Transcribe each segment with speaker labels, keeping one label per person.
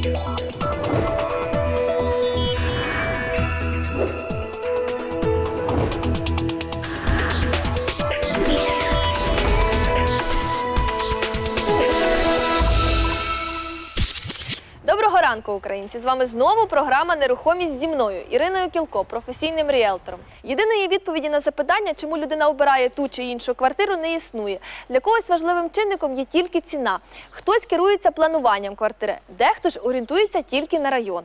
Speaker 1: Доброго ранку, українці! З вами знову програма «Нерухомість» зі мною, Іриною Кілко, професійним ріелтором. Єдиної відповіді на запитання, чому людина обирає ту чи іншу квартиру, не існує. Для когось важливим чинником є тільки ціна. Хтось керується плануванням квартири, дехто ж орієнтується тільки на район.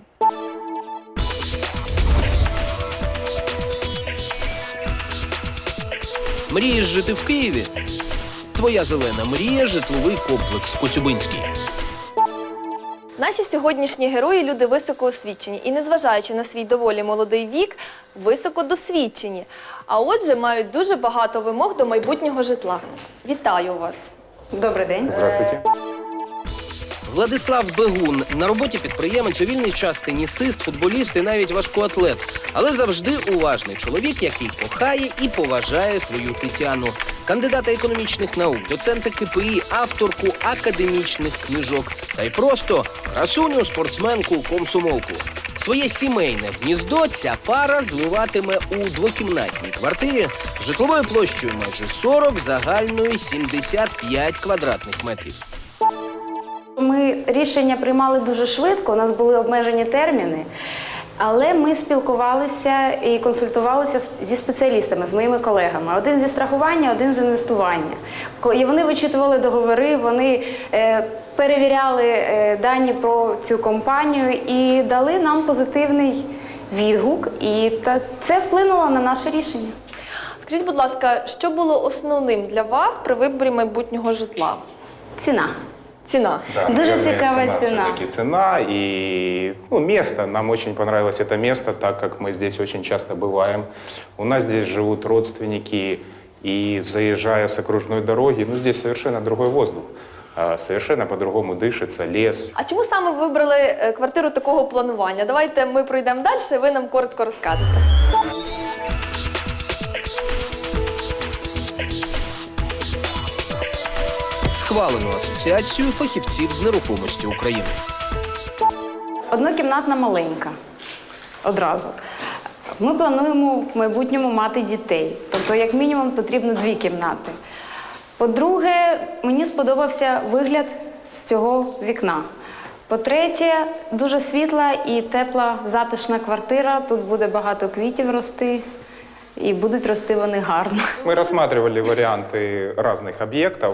Speaker 2: Мрієш жити в Києві? Твоя зелена мрія – житловий комплекс Коцюбинський.
Speaker 1: Наші сьогоднішні герої – люди високоосвічені і, незважаючи на свій доволі молодий вік, високодосвідчені. А отже, мають дуже багато вимог до майбутнього житла. Вітаю вас!
Speaker 3: Добрий день.
Speaker 4: Здравствуйте.
Speaker 2: Владислав Бегун – на роботі підприємець, у вільний час тенісист, футболіст і навіть важкоатлет. Але завжди уважний чоловік, який кохає і поважає свою Тетяну. Кандидата економічних наук, доцента КПІ, авторку академічних книжок. Та й просто красуню, спортсменку, комсомолку. Своє сімейне гніздо ця пара звиватиме у двокімнатній квартирі житловою площею майже 40, загальною 75 квадратних метрів.
Speaker 3: Ми рішення приймали дуже швидко, у нас були обмежені терміни, але ми спілкувалися і консультувалися зі спеціалістами, з моїми колегами. Один зі страхування, один з інвестування. І вони вичитували договори, вони перевіряли дані про цю компанію і дали нам позитивний відгук. І це вплинуло на наше рішення.
Speaker 1: Скажіть, будь ласка, що було основним для вас при виборі майбутнього житла?
Speaker 3: Ціна.
Speaker 1: Ціна.
Speaker 4: Да,
Speaker 3: Дуже цікава ціна.
Speaker 4: Все-таки цена и место. Нам очень понравилось это место, так как мы здесь очень часто бываем. У нас здесь живут родственники, и заезжая с окружной дороги, здесь совершенно другой воздух. Совершенно по-другому дышится, лес.
Speaker 1: А чому саме ви вибрали квартиру такого планування? Давайте ми пройдемо далі, ви нам коротко розкажете.
Speaker 2: Схвалено Асоціацією фахівців з нерухомості України.
Speaker 3: Однокімнатна маленька. Одразу. Ми плануємо в майбутньому мати дітей. Тобто, як мінімум, потрібно 2 кімнати. По-друге, мені сподобався вигляд з цього вікна. По-третє, дуже світла і тепла, затишна квартира. Тут буде багато квітів рости. И будут рости вони гарно.
Speaker 4: Мы рассматривали варианты разных объектов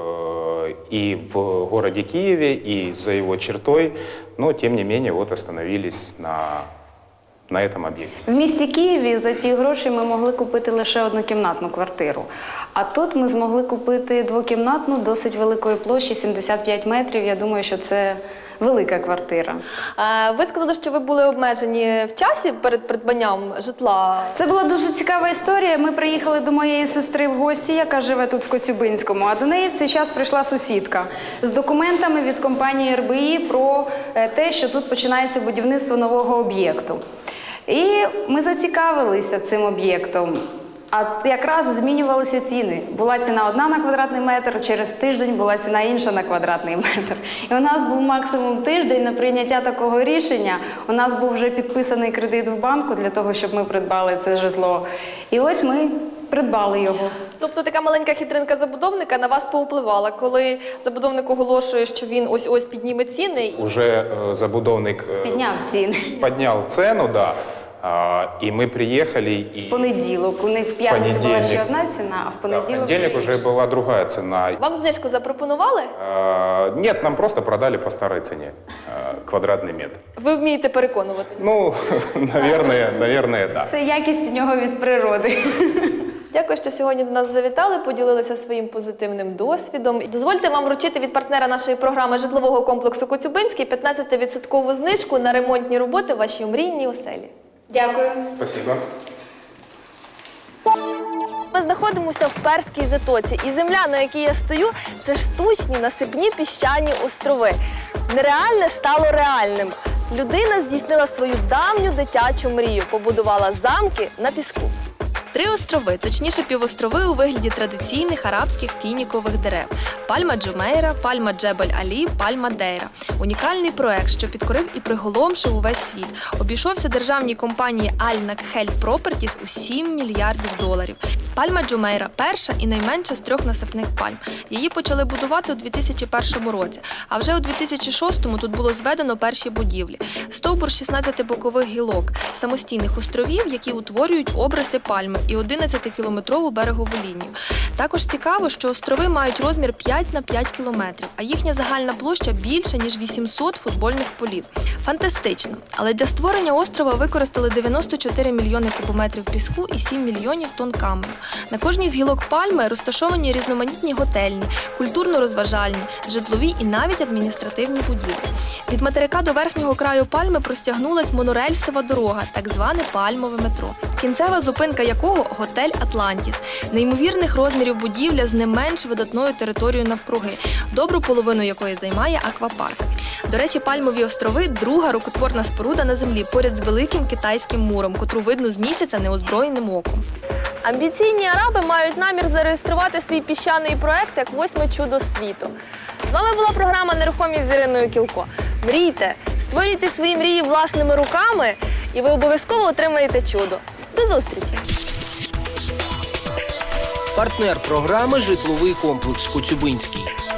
Speaker 4: и в городе Киеве, и за его чертой, но тем не менее вот остановились на этом объекте.
Speaker 3: В місті Києві за ті гроші ми могли купити лише однокімнатну квартиру. А тут ми змогли купити двокімнатну, досить великої площі, 75 метрів. Я думаю, що це велика квартира.
Speaker 1: Ви сказали, що ви були обмежені в часі перед придбанням житла.
Speaker 3: Це була дуже цікава історія. Ми приїхали до моєї сестри в гості, яка живе тут в Коцюбинському, а до неї в цей час прийшла сусідка з документами від компанії РБІ про те, що тут починається будівництво нового об'єкту. І ми зацікавилися цим об'єктом. А якраз змінювалися ціни. Була ціна одна на квадратний метр, через тиждень була ціна інша на квадратний метр. І у нас був максимум тиждень на прийняття такого рішення. У нас був вже підписаний кредит в банку для того, щоб ми придбали це житло. І ось ми придбали його.
Speaker 1: Тобто така маленька хитринка забудовника на вас повпливала, коли забудовник оголошує, що він ось-ось підніме ціни.
Speaker 4: Уже забудовник
Speaker 3: Підняв
Speaker 4: цену, да. И мы приехали. И
Speaker 3: в понеділок. У них в п'ятницю була ще одна ціна, а в
Speaker 4: понедельник уже была другая цена.
Speaker 1: Вам знижку запропонували?
Speaker 4: Нет, нам просто продали по старой цене квадратный метр.
Speaker 1: Ви вмієте переконувати?
Speaker 4: Наверное, да.
Speaker 3: Це якість у нього від природи.
Speaker 1: Дякую, що сьогодні до нас завітали, поділилися своїм позитивним досвідом. Дозвольте вам вручити від партнера нашої програми житлового комплексу Коцюбинський 15% знижку на ремонтні роботи в вашій мрійній оселі. Дякую.
Speaker 4: Спасибо.
Speaker 1: Ми знаходимося в Перській затоці, і земля, на якій я стою, це штучні насипні піщані острови. Нереальне стало реальним. Людина здійснила свою давню дитячу мрію, побудувала замки на піску. 3 острови, точніше півострови у вигляді традиційних арабських фінікових дерев – Пальма Джумейра, Пальма Джебель-Алі, Пальма Дейра. Унікальний проект, що підкорив і приголомшив увесь світ. Обійшовся державній компанії Al-Nakhel Properties у $7 мільярдів. Пальма Джумейра – перша і найменша з 3 насипних пальм. Її почали будувати у 2001 році, а вже у 2006-му тут було зведено перші будівлі. Стовбур 16 бокових гілок, самостійних островів, які утворюють обриси пальми, і 11-кілометрову берегову лінію. Також цікаво, що острови мають розмір 5 на 5 кілометрів, а їхня загальна площа більше, ніж 800 футбольних полів. Фантастично! Але для створення острова використали 94 мільйони кубометрів піску і 7 мільйонів тонн каменю. На кожній з гілок пальми розташовані різноманітні готельні, культурно-розважальні, житлові і навіть адміністративні будівлі. Від материка до верхнього краю пальми простягнулась монорельсова дорога, так зване пальмове метро. Кінцева зупинка якого – готель «Атлантіс». Неймовірних розмірів будівля з не менш видатною територією навкруги, добру половину якої займає аквапарк. До речі, Пальмові острови – друга рукотворна споруда на землі поряд з великим китайським муром, котру видно з місяця неозброєним оком. Амбіційні араби мають намір зареєструвати свій піщаний проект як 8-ме чудо світу. З вами була програма «Нерухомість» з Іриною Кілко. Мрійте, створюйте свої мрії власними руками, і ви обов'язково отримаєте чудо. До зустрічі!
Speaker 2: Партнер програми «Житловий комплекс Коцюбинський».